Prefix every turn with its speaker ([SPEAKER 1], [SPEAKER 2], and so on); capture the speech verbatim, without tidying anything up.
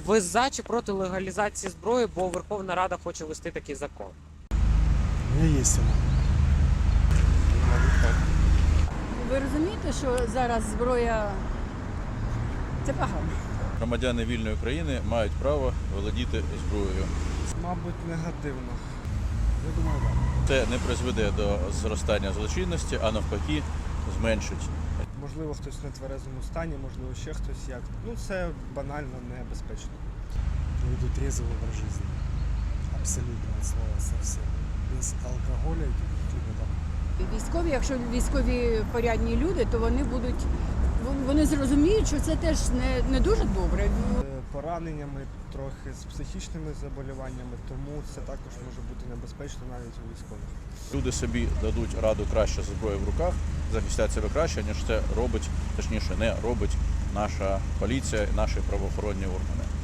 [SPEAKER 1] Ви за чи проти легалізації зброї, бо Верховна Рада хоче ввести такий закон?
[SPEAKER 2] У меня есть она.
[SPEAKER 3] Ви розумієте, що зараз зброя це погано?
[SPEAKER 4] Громадяни вільної країни мають право володіти зброєю.
[SPEAKER 2] Мабуть, негативно. Я думаю, так.
[SPEAKER 4] Це не призведе до зростання злочинності, а навпаки зменшить.
[SPEAKER 2] Можливо, хтось в нетверезому стані, можливо, ще хтось як. Ну, це банально небезпечно. Веду трезвый образ жизни. Абсолютно от слова совсем. Без алкоголя и каких-либо там.
[SPEAKER 3] Військові, якщо військові порядні люди, то вони будуть вони зрозуміють, що це теж не, не дуже добре.
[SPEAKER 2] Е, Пораненнями, трохи з психічними заболіваннями, тому це також може бути небезпечно навіть у військових.
[SPEAKER 4] Люди собі дадуть раду краще з зброєю в руках, захистять себе краще, ніж це робить, точніше не робить наша поліція і наші правоохоронні органи.